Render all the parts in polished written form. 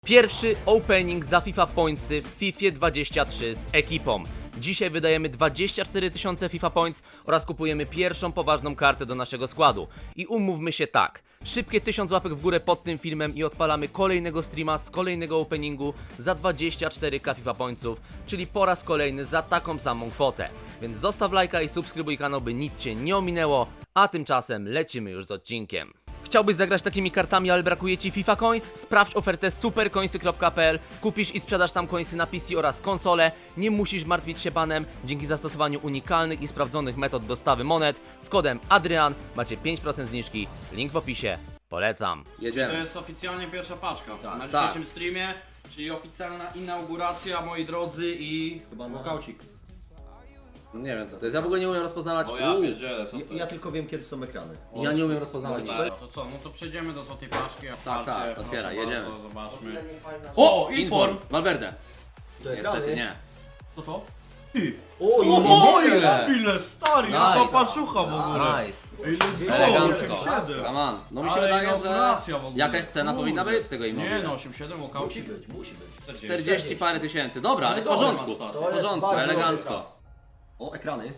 Pierwszy opening za FIFA Pointsy w FIFA 23 z ekipą. Dzisiaj wydajemy 24 000 FIFA Points oraz kupujemy pierwszą poważną kartę do naszego składu. I umówmy się tak, szybkie 1000 łapek w górę pod tym filmem i odpalamy kolejnego streama z kolejnego openingu za 24k FIFA Pointsów, czyli po raz kolejny za taką samą kwotę. Więc zostaw lajka i subskrybuj kanał, by nic Cię nie ominęło, a tymczasem lecimy już z odcinkiem. Chciałbyś zagrać takimi kartami, ale brakuje Ci FIFA Coins? Sprawdź ofertę supercoinsy.pl, kupisz i sprzedasz tam coinsy na PC oraz konsole. Nie musisz martwić się banem. Dzięki zastosowaniu unikalnych i sprawdzonych metod dostawy monet z kodem Adrian macie 5% zniżki. Link w opisie. Polecam. To Jedziemy. jest oficjalnie pierwsza paczka na Tak. dzisiejszym streamie, czyli oficjalna inauguracja, moi drodzy, i walkaucik. Nie wiem co to jest, ja w ogóle nie umiem rozpoznawać. O ja pierdzielę, co to Ja tylko wiem, kiedy są ekrany. Ja nie umiem rozpoznawać. To co, no to przejdziemy do złotej paczki. Tak, otwarcie, otwieraj, proszę jedziemy. bardzo, zobaczmy. O! Inform! Valverde. To Niestety nie. Co to? O, ile stary, Nice. jaka paczucha w ogóle. Nice. Ej, let's go, Elegancko. 8,7. Come on. No mi się Ale wydaje, że inauguracja w ogóle. jakaś cena powinna być z tego Nie Immobile. no, 8,7 Musi walkaucik. być, musi być. 40 parę tysięcy. Dobra, ale w dobra, porządku. stary. W To jest porządku, bardzo elegancko. dobry O, ekrany.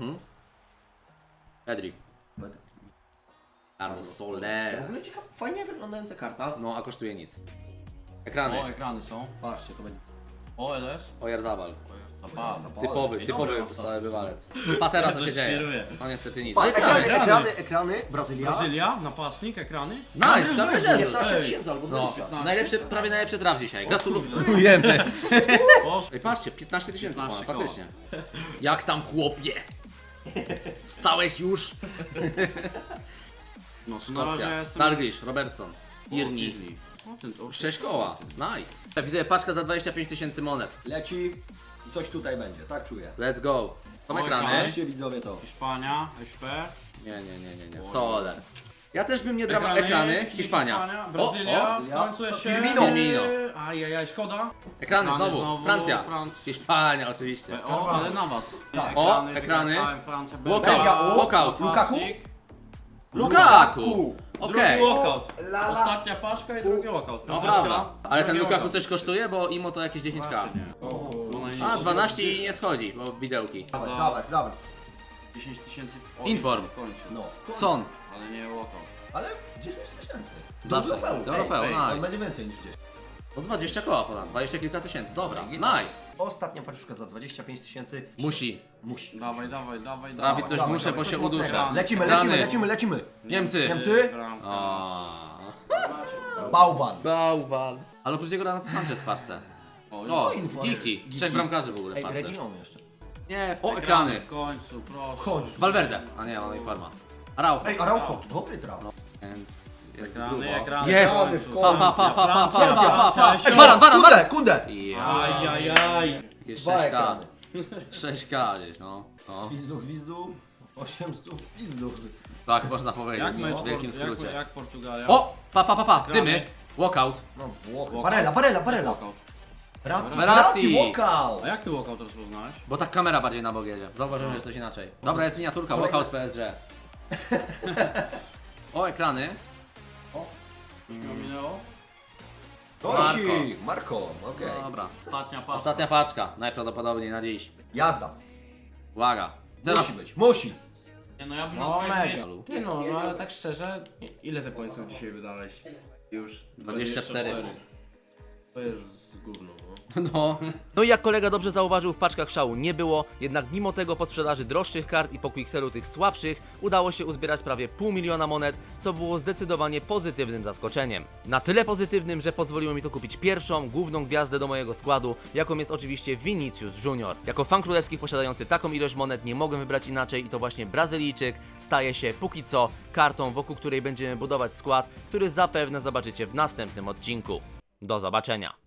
Pedri. Carlos W Soler. ogóle ciekawa, fajnie wyglądająca karta. No, a kosztuje nic. Ekrany. O, ekrany są. Patrzcie, to będzie O, LS. Ojarzabal. Typowy Dobra, stały bywalec. A teraz co się dzieje? świruje. No niestety nic. Pa, Ekrany. ekrany, Brazylia. Brazylia, napastnik, ekrany. Nice, gratuluję. 15 tysięcy albo No, 20. najlepszy, prawie najlepszy draft dzisiaj. Gratulujemy. Poszło. Ej, patrzcie, 15 tysięcy 15 ponad, faktycznie. Jak tam chłopie? Wstałeś już? No, to na razie Szkocja. jestem... Dalglish, Robertson, Tierney. O, ten to... 6 koła, nice. Widzę paczka za 25 tysięcy monet. Leci i coś tutaj będzie, tak czuję. Let's go. Są Oj, ekrany. Patrzcie widzowie to. Hiszpania, SP. Nie. Soler. Ja też bym nie drama ekrany. Hiszpania. Brazylia, w Brazylia. końcu jeszcze... Firmino. Ajajaj, szkoda. Ekrany znowu. znowu, Francja. Francja. Hiszpania oczywiście. O, ale na was. Tak. O, ekrany. wygrałem Francja, Walkout. Belgia, o, Walkout. Lukaku? Lukaku. Okej. Drugi walkout. Ostatnia paczka i drugi walkout. No prawda. Ale ten Lukaku coś kosztuje, bo imo to jakieś 10k. A, 12 i nie schodzi, bo widełki. Dawaj. 10 tysięcy Inform. w końcu. No, Son. Ale nie walkout. ale 10 tysięcy. Do Zawsze. Rofeł. Do Rofeł, On nice. będzie więcej niż 10. No 20 koła ponad, 20 kilka tysięcy, dobra, nice. Ostatnia paczuszka za 25 tysięcy. Musi. Dawaj. Trafić coś muszę, bo coś się mocnego. uduszę. Lecimy. Niemcy. Niemcy? Bałwan. Bałwan. Ale oprócz niego Renato Sanchez w paczce. O, Inform. Giki. 3 bramkarzy w ogóle w Ej, paczce. Reginą jeszcze. Nie, o ekrany. W końcu, proszę. Chodź. Valverde. A nie, ona informa. Araujo. Ej, Araujo, to dobry traf. Więc jest grubo. Ekrany. Jest! Ekrany w Pa, pa, pa, pa, pa, pa, pa, pa. Francja. Baran. Kunde! Ja. Ajajaj. Jakieś Dwa 6K. ekrany. 6K gdzieś, no. Gwizdu. 800 gwizdu. Tak można powiedzieć, Jak mecz w wielkim jak skrócie. Portugalia? O! Pa, dymy. Walkout. No Włochy. Barella. Walkout. Verratti. Walkout. A jak ty walkout rozpoznałeś? Bo tak kamera bardziej na bok jedzie. Zauważyłem, że jest coś inaczej. Dobra, jest miniaturka, Kolejne- walkout PSG. O, ekrany. Już mi ominęło? Marko, okej. Dobra. Ostatnia paczka. Ostatnia paczka, najprawdopodobniej na dziś. Jazda. Uwaga. Teraz... Musi być, musi. Nie, no ja bym na No swoim mega. miejscu... Ty no ale tak szczerze, ile te pońców dzisiaj wydałeś? Już 24. To jest gówno, no. No. No i jak kolega dobrze zauważył, w paczkach szału nie było, jednak mimo tego po sprzedaży droższych kart i po quickselu tych słabszych udało się uzbierać prawie 500 000 monet, co było zdecydowanie pozytywnym zaskoczeniem. Na tyle pozytywnym, że pozwoliło mi to kupić pierwszą, główną gwiazdę do mojego składu, jaką jest oczywiście Vinicius Junior. Jako fan królewskich posiadający taką ilość monet nie mogłem wybrać inaczej i to właśnie Brazylijczyk staje się póki co kartą, wokół której będziemy budować skład, który zapewne zobaczycie w następnym odcinku. Do zobaczenia.